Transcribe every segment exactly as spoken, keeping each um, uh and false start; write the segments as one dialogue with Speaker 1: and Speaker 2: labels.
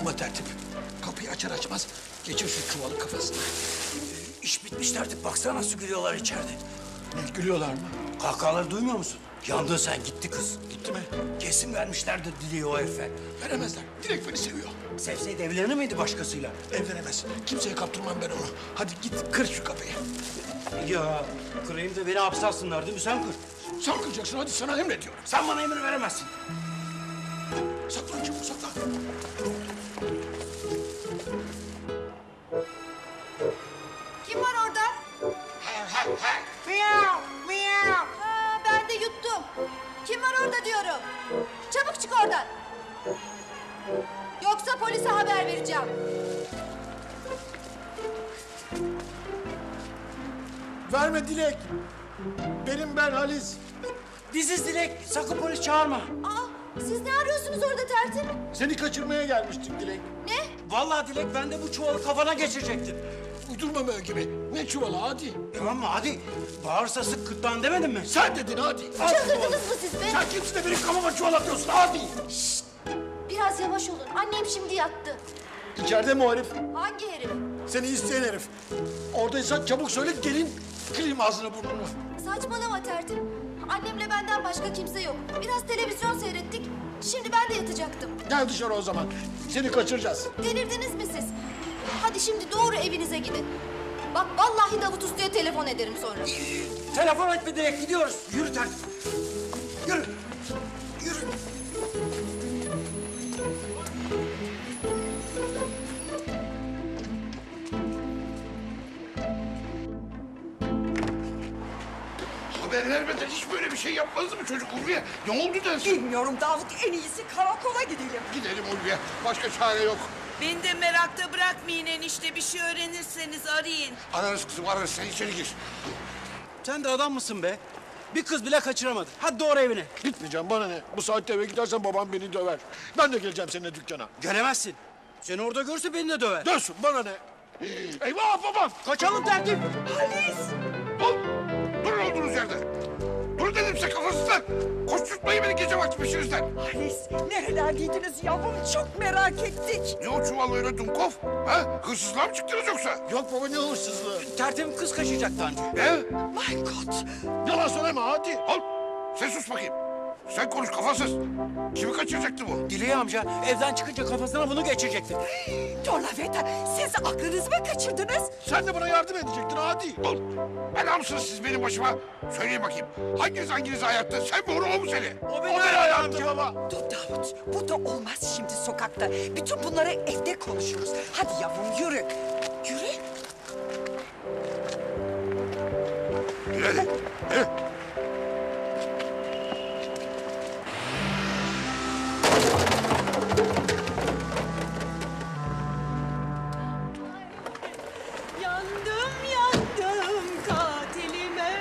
Speaker 1: Ama tertip, kapıyı açar açmaz geçir şu çuvalı kafasına.
Speaker 2: İş bitmiş tertip. Baksana nasıl gülüyorlar içeride.
Speaker 1: Ne, gülüyorlar mı?
Speaker 2: Kahkahaları duymuyor musun? Yandın sen, gitti kız.
Speaker 1: Gitti mi?
Speaker 2: Kesin vermişlerdir Dilek'i o herife.
Speaker 1: Veremezler. Dilek beni seviyor.
Speaker 2: Sevseydi evlenir miydi başkasıyla?
Speaker 1: Evlenemez. Kimseye kaptırmam ben onu. Hadi git kır şu kapıyı.
Speaker 2: Ya kırayım da beni hapse alsınlar değil mi? Sen kır.
Speaker 1: Sen kıracaksın, hadi sana emrediyorum.
Speaker 2: Sen bana emir veremezsin.
Speaker 1: Saklan çabuk, saklan.
Speaker 3: Kim var orada?
Speaker 2: Miyav, miyav.
Speaker 3: Ha, ben de yuttum. Kim var orada diyorum. Çabuk çık oradan. Yoksa polise haber vereceğim.
Speaker 1: Verme Dilek. Benim ben Halis.
Speaker 2: Biziz Dilek. Sakın polis çağırma.
Speaker 3: Aa, siz ne arıyorsunuz orada tertip?
Speaker 1: Seni kaçırmaya gelmiştik Dilek.
Speaker 3: Ne?
Speaker 2: Vallahi Dilek, ben de bu çuvalı kafana geçirecektim.
Speaker 1: Uydurma böyle gibi. Ne çuvalı hadi.
Speaker 2: Tamam mı? Hadi. Bağırsa sık gırtlağını demedin mi?
Speaker 1: Sen dedin hadi.
Speaker 3: Çıldırdınız mı siz be?
Speaker 1: Sen kimsin de benim kafama çuval atıyorsun hadi.
Speaker 3: Biraz yavaş olun. Annem şimdi yattı.
Speaker 1: İçeride mi o herif?
Speaker 3: Hangi herif?
Speaker 1: Seni isteyen herif. Oradaysan çabuk söyle gelin kırayım ağzını burnunu.
Speaker 3: Saçmalama tertip. Annemle benden başka kimse yok. Biraz televizyon seyrettik. Şimdi ben de yatacaktım.
Speaker 1: Gel dışarı o zaman. Seni kaçıracağız.
Speaker 3: Delirdiniz mi siz? Hadi şimdi doğru evinize gidin. Bak vallahi Davut Usta'ya telefon ederim sonra.
Speaker 2: Telefon etme Dilek, gidiyoruz. Yürü tertip. Yürü. Yürü.
Speaker 4: Haber vermeden hiç böyle bir şey yapmazdı mı çocuk Ulviye? Ne oldu dersin?
Speaker 5: Bilmiyorum Davut, en iyisi karakola gidelim.
Speaker 4: Gidelim Ulviye. Başka çare yok.
Speaker 6: Beni de merakta bırakmayın enişte. Bir şey öğrenirseniz arayın.
Speaker 4: Ararız kızım ararız. Sen içeri gir.
Speaker 2: Sen de adam mısın be? Bir kız bile kaçıramadın. Hadi doğru evine.
Speaker 1: Gitmeyeceğim bana ne? Bu saatte eve gidersen babam beni döver. Ben de geleceğim seninle dükkana.
Speaker 2: Gelemezsin. Seni orada görse beni de döver.
Speaker 1: Dönsün bana ne? Eyvah babam!
Speaker 2: Kaçalım tertip.
Speaker 5: Halis!
Speaker 4: Dur. Durun olduğunuz yerde. Dur dedim size kafasızlar. Koşturtmayın beni gece vakti peşinizden.
Speaker 5: Halis, nerelerdeydiniz yavrum? Çok merak ettik.
Speaker 4: Ne o çuval öyle Dumkov? Ha? Hırsızlığa mı çıktınız yoksa?
Speaker 1: Yok baba ne hırsızlığı?
Speaker 2: Tertibim kız kaçacaktı anca.
Speaker 4: Ne?
Speaker 5: My God!
Speaker 1: Yalan söyleme hadi.
Speaker 4: Al. Sen sus bakayım. Sen konuş kafasız. Kimi kaçıracaktı bu?
Speaker 2: Dileği amca evden çıkınca kafasına bunu geçirecekti.
Speaker 5: Donaveta, siz aklınızı mı kaçırdınız?
Speaker 1: Sen de bana yardım edecektin hadi.
Speaker 4: Al. Bela mısınız siz benim başıma? Söyleyin bakayım. Hanginiz hanginizi hayatta? Sen mi onu o mu seni?
Speaker 2: O
Speaker 1: O
Speaker 2: beni
Speaker 1: beni ayarttı baba.
Speaker 5: Dur Davut, bu da olmaz şimdi sokakta. Bütün bunları evde konuşuruz. Hadi yavrum yürü. Yürü.
Speaker 4: Yürü hadi. Yürü.
Speaker 6: Yandım yandım katilime.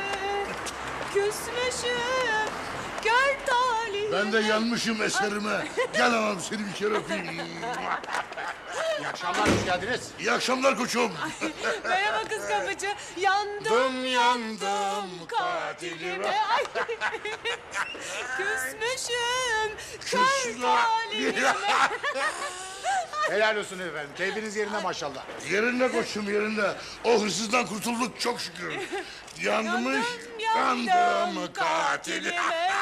Speaker 6: Küsmüşüm gör talihime.
Speaker 4: Ben de yanmışım eserime. Gel anam seni bir kere öpeyim.
Speaker 1: İyi akşamlar, hoş geldiniz.
Speaker 4: İyi akşamlar koçum.
Speaker 6: Merhaba kız kapıcı. Yandım
Speaker 4: yandım
Speaker 6: katilime. Ay. Küsmüşüm kör talihime.
Speaker 7: Helal olsun efendim. Keyfiniz yerinde maşallah.
Speaker 4: Yerinde koçum yerinde. O hırsızdan kurtulduk çok şükür. Yanmış yandım katil.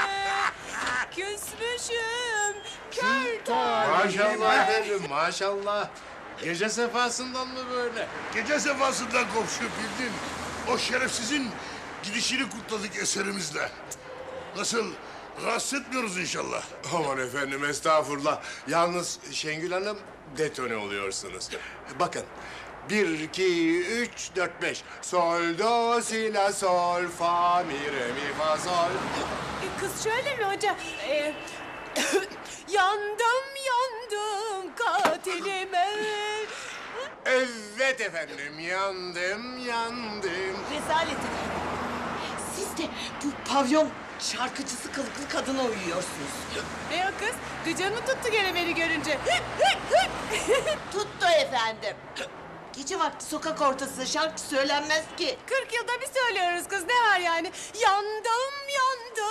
Speaker 6: Küsmüşüm kör talihime.
Speaker 7: Maşallah efendim maşallah. Gece sefasından mı böyle?
Speaker 4: Gece sefasından komşu bildin. O şerefsizin gidişini kutladık eserimizle. Nasıl? Rahatsız etmiyoruz inşallah.
Speaker 7: Aman efendim estağfurullah. Yalnız Şengül Hanım detone oluyorsunuz. Bakın. Bir, iki, üç, dört, beş. Sol, do, si, la, sol, fa, mi, re, mi, fa, sol.
Speaker 6: Kız şöyle mi hocam? Ee, yandım yandım katilime.
Speaker 7: Evet efendim. Yandım, yandım.
Speaker 5: Rezalet efendim. Siz de bu pavyon şarkıcısı kılıklı kadına uyuyorsunuz.
Speaker 6: Ne o kız? Gıcın mı tuttu gene beni görünce?
Speaker 8: Tuttu efendim. Gece vakti sokak ortasında şarkı söylenmez ki.
Speaker 6: Kırk yılda bir söylüyoruz kız, ne var yani? Yandım yandım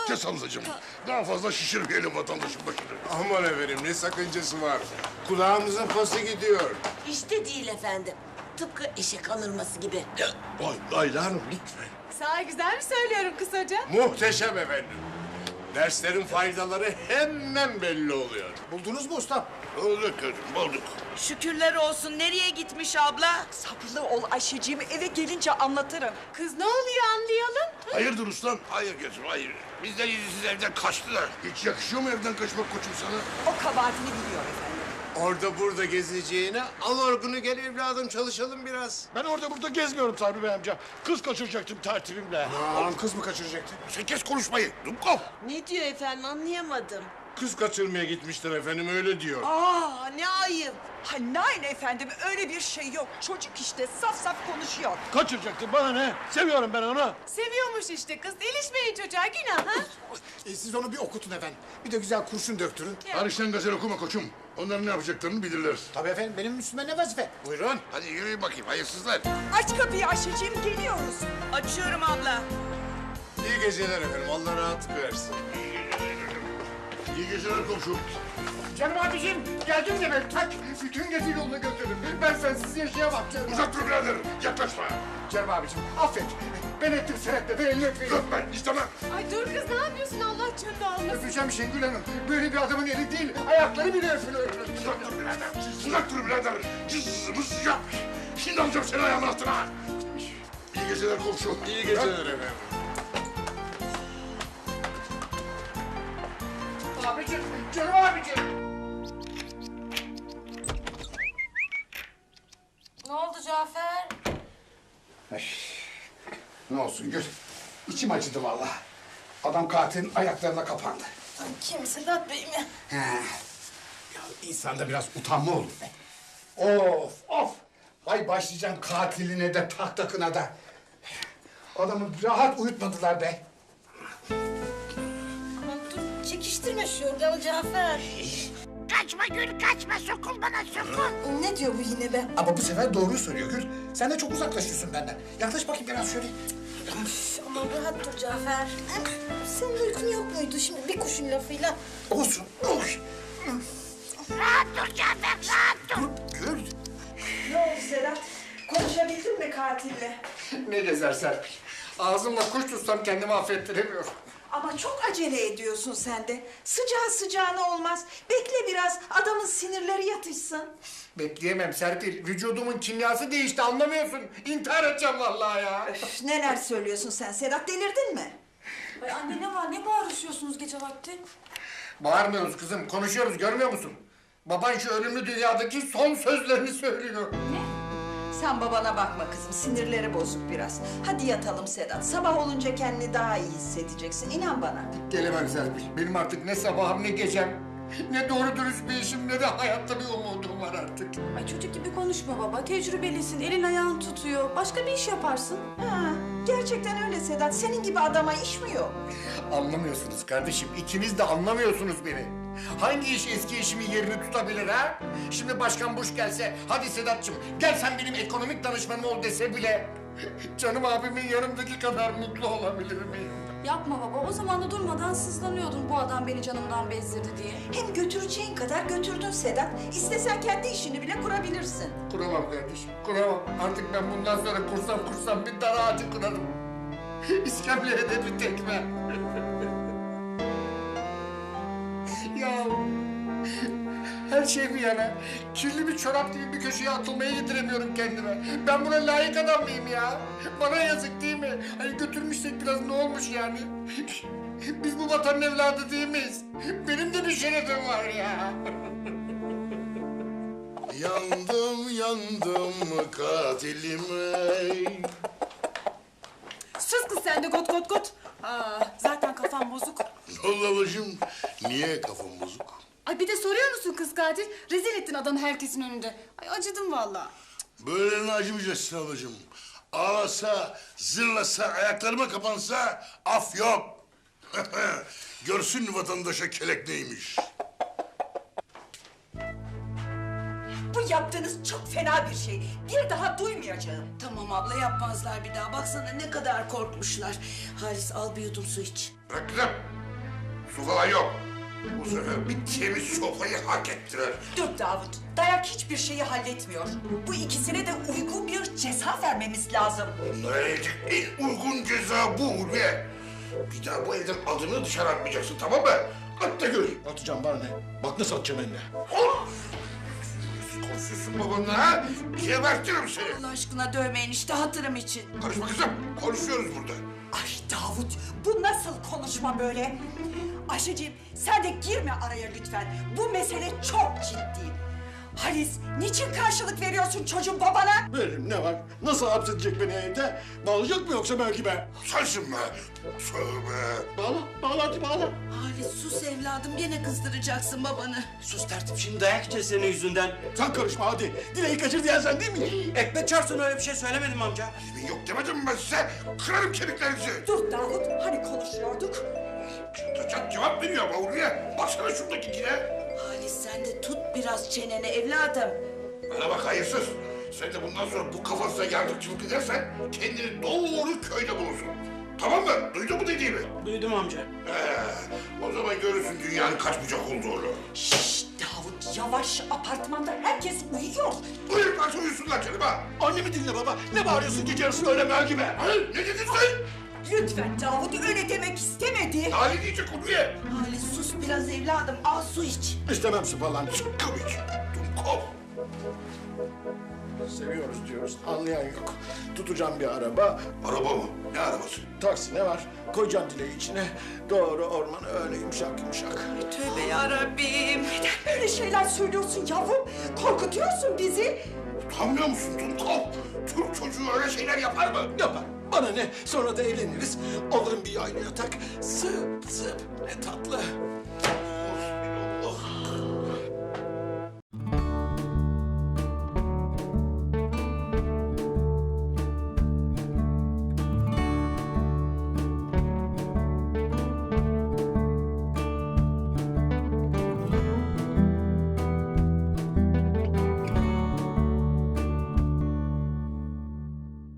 Speaker 4: Kes ablacığım. Daha fazla şişirmeyelim vatandaşın başını.
Speaker 7: Aman efendim ne sakıncası var? Kulağımızın pası gidiyor.
Speaker 8: İşte değil efendim. Tıpkı eşek alırması gibi.
Speaker 4: Ay Ayla Hanım lütfen.
Speaker 6: Sağ güzel mi söylüyorum kısaca?
Speaker 7: Muhteşem efendim. Derslerin faydaları hemen belli oluyor.
Speaker 1: Buldunuz mu ustam?
Speaker 4: Bulduk kızım bulduk.
Speaker 6: Şükürler olsun. Nereye gitmiş abla?
Speaker 5: Sabırlı ol Ayşeciğim, eve gelince anlatırım.
Speaker 6: Kız ne oluyor anlayalım.
Speaker 4: Hayırdır ustam? Hayır gözüm hayır. Bizden yüzsüz evden kaçtılar. Hiç yakışıyor mu evden kaçmak koçum sana?
Speaker 5: O kabahatini biliyor efendim.
Speaker 7: Orada burada gezeceğine al orgunu gel evladım çalışalım biraz.
Speaker 1: Ben orada burada gezmiyorum Sabri Bey amca. Kız kaçıracaktım tertibimle.
Speaker 7: Aman kız mı kaçıracaktı?
Speaker 4: Sen kes konuşmayı. Dumkov.
Speaker 8: Ne diyor efendim anlayamadım.
Speaker 7: Kız kaçırmaya gitmişler efendim öyle diyor.
Speaker 8: Aa ne ayıp.
Speaker 5: Ha nein efendim, öyle bir şey yok. Çocuk işte saf saf konuşuyor.
Speaker 1: Kaçıracaktım bana ne? Seviyorum ben onu.
Speaker 6: Seviyormuş işte kız. İlişmeyin çocuğa günah ha.
Speaker 9: E, siz onu bir okutun efendim. Bir de güzel kurşun döktürün.
Speaker 4: Hariçten gazel okuma koçum. Onların ne yapacaklarını bilirler.
Speaker 9: Tabii efendim, benim üstüme ne vazife?
Speaker 7: Buyurun.
Speaker 4: Hadi yürüyün bakayım hayırsızlar.
Speaker 5: Aç kapıyı Ayşeciğim, geliyoruz.
Speaker 6: Açıyorum abla.
Speaker 7: İyi geceler efendim Allah rahatlık versin.
Speaker 4: İyi geceler komşu.
Speaker 9: Canım abiciğim, geldin demek. Tak, bütün gece yolunu götürdüm. Ben sensiz yaşayamam canım.
Speaker 4: Uzak dur birader. Yaklaşma.
Speaker 9: Canım abiciğim, affet. Ben ettim senetle de elini öpeyim.
Speaker 4: Öpme istemem.
Speaker 6: Ay dur kız ne yapıyorsun Allah canını almasın.
Speaker 9: Öpeceğim Şengül Hanım. Böyle bir adamın eli değil, ayakları bile öpülür.
Speaker 4: Uzak dur birader. Uzak dur birader. Cız mız yap. Şimdi alacağım seni ayağımın altına. İyi geceler komşu.
Speaker 7: İyi geceler efendim.
Speaker 9: Abicim, canım abicim.
Speaker 3: Ne oldu Cafer?
Speaker 9: Ne olsun Gül, içim acıdı vallahi. Adam katilin ayaklarına kapandı.
Speaker 3: Kim Sedat Bey mi?
Speaker 9: He. Ya insanda biraz utanma olur be. Of of. Hay başlayacağım katiline de tahtakına da. Adamı rahat uyutmadılar be.
Speaker 3: Aman dur çekiştirme şu yorganı Cafer.
Speaker 8: Kaçma Gül kaçma sokul bana sokul.
Speaker 3: Ne diyor bu yine be?
Speaker 9: Ama bu sefer doğruyu söylüyor Gül. Sen de çok uzaklaşıyorsun benden. Yaklaş bakayım biraz şöyle.
Speaker 3: Üf, aman rahat dur Cafer. Senin uykun yok muydu şimdi bir kuşun lafıyla?
Speaker 9: Olsun. Oy.
Speaker 8: Rahat dur Cafer rahat dur.
Speaker 9: Gül.
Speaker 5: Ne oldu Sedat? Konuşabildin mi katille?
Speaker 9: Ne gezer Serpil. Ağzımla kuş tutsam kendimi affettiremiyorum.
Speaker 5: Ama çok acele ediyorsun sen de. Sıcağı sıcağına olmaz. Bekle biraz, adamın sinirleri yatışsın.
Speaker 9: Bekleyemem Serpil. Vücudumun kimyası değişti anlamıyorsun. İntihar edeceğim vallahi ya.
Speaker 5: Öf, neler söylüyorsun sen Sedat, delirdin mi?
Speaker 3: Ay anne ne var ne bağırışıyorsunuz gece vakti?
Speaker 9: Bağırmıyoruz kızım, konuşuyoruz görmüyor musun? Baban şu ölümlü dünyadaki son sözlerini söylüyor.
Speaker 5: Sen babana bakma kızım, sinirleri bozuk biraz. Hadi yatalım Sedat, sabah olunca kendini daha iyi hissedeceksin, inan bana.
Speaker 9: Gelemem Serpil. Benim artık ne sabahım ne gecem, ne doğru dürüst bir işim ne de hayatta bir umudum var artık.
Speaker 10: Ay çocuk gibi konuşma baba. Tecrübelisin, elin ayağın tutuyor. Başka bir iş yaparsın.
Speaker 5: Ha, gerçekten öyle Sedat, senin gibi adama iş mi yok?
Speaker 9: Anlamıyorsunuz kardeşim, ikiniz de anlamıyorsunuz beni. Hangi iş eski işimin yerini tutabilir ha? Şimdi Başkan Bush gelse, hadi Sedat'cığım gel sen benim ekonomik danışmanım ol dese bile... ...canım abimin yanımdaki kadar mutlu olabilir miyim?
Speaker 10: Yapma baba. O zaman da durmadan sızlanıyordun bu adam beni canımdan bezdirdi diye.
Speaker 5: Hem götüreceğin kadar götürdün Sedat. İstesen kendi işini bile kurabilirsin.
Speaker 9: Kuramam kardeşim, kuramam. Artık ben bundan sonra kursam kursam bir dar ağacı kurarım. İskemleye de bir tekme. Ya her şey bir yana, kirli bir çorap gibi bir köşeye atılmayı yediremiyorum kendime. Ben buna layık adam mıyım ya? Bana yazık değil mi? Hani götürmüşsek biraz ne olmuş yani? Biz bu vatanın evladı değil miyiz? Benim de bir şerefim var ya.
Speaker 4: Yandım yandım katilime.
Speaker 6: Sus kız sen de got got got. Aa, zaten kafam bozuk.
Speaker 4: Ne oldu ablacığım? Niye kafam bozuk?
Speaker 10: Ay bir de soruyor musun kız katil? Rezil ettin adamı herkesin önünde. Ay acıdım vallahi.
Speaker 4: Böylelerine acımayacaksın ablacığım. Ağlasa, zırlasa, ayaklarıma kapansa af yok. Görsün vatandaşa kelek neymiş.
Speaker 5: Bu yaptığınız çok fena bir şey. Bir daha duymayacağım.
Speaker 8: Tamam abla yapmazlar bir daha. Baksana ne kadar korkmuşlar. Halis al bir yudum su iç.
Speaker 4: Bırak kızım. Su falan yok. Bu sefer bir temiz sofayı hak ettiler.
Speaker 5: Dur Davut, dayak hiçbir şeyi halletmiyor. Bu ikisine de uygun bir ceza vermemiz lazım.
Speaker 4: Bunlara verecek en uygun ceza bu Hulya. Bir daha bu evden adını dışarı atmayacaksın, tamam mı? At da gör.
Speaker 1: Atacağım bana ne? Bak nasıl atacağım eline.
Speaker 4: Konuşuyorsun babanla ha? Gebertirim seni.
Speaker 5: Allah aşkına dövmeyin işte hatırım için.
Speaker 4: Karışma kızım, konuşuyoruz burada.
Speaker 5: Ay Davut, bu nasıl konuşma böyle? Ayşeciğim, sen de girme araya lütfen. Bu mesele çok ciddi. Halis, niçin karşılık veriyorsun çocuğun babana?
Speaker 1: Veririm ne var? Nasıl hapsedecek beni evde? Bağlayacak mı yoksa Melkime?
Speaker 4: Sensin be. Tövbe.
Speaker 1: Bağla, bağla hadi bağla.
Speaker 6: Halis sus evladım gene kızdıracaksın babanı.
Speaker 2: Sus tertip şimdi dayak yiyeceğiz senin yüzünden.
Speaker 1: Sen karışma hadi. Dileği kaçır diyen sen değil mi?
Speaker 2: Ekmek çarpsın öyle bir şey söylemedim amca.
Speaker 4: Elimin yok demedim mi ben size? Kırarım kemiklerinizi.
Speaker 5: Dur Davut, hani konuşuyorduk?
Speaker 4: Çat cevap veriyor ama Hulya. Baksana şuradaki kine.
Speaker 6: Halis sen de tut biraz çeneni evladım.
Speaker 4: Bana bak hayırsız. Sen de bundan sonra bu kafasına yardımcılık edersen kendini doğru köyde bulursun. Tamam mı? Duydun mu dediğimi?
Speaker 2: Duydum amca.
Speaker 4: Ee, o zaman görürsün dünyanın kaç bucak olduğunu.
Speaker 5: Şşş Davut, yavaş, apartmanda herkes uyuyor.
Speaker 4: Uyurlarsa uyusunlar canım ha.
Speaker 1: Annemi dinle baba. Ne bağırıyorsun gece yarısı öyle Melkime?
Speaker 4: Ha? Ne dedin sen?
Speaker 5: Lütfen Davut, öyle demek istemedi.
Speaker 4: Daha ne diyecek Hulya?
Speaker 6: Halis sus biraz evladım al su iç.
Speaker 1: İstemem su falan.
Speaker 4: Sıkkım iç. Dumkov.
Speaker 1: Seviyoruz diyoruz. Anlayan yok. Tutacağım bir araba.
Speaker 4: Araba mı? Ne arabası?
Speaker 1: Taksi ne var? Koyacağım dileği içine. Doğru ormana öyle yumuşak yumuşak.
Speaker 6: Tövbe yarabbim.
Speaker 5: Neden böyle şeyler söylüyorsun yavrum? Korkutuyorsun bizi.
Speaker 4: Utanmıyor musun Dumkov? Türk çocuğu öyle şeyler yapar mı?
Speaker 1: Yapar. Bana ne? Sonra da evleniriz. Alırım bir yaylı yatak. Zıp zıp. Ne tatlı.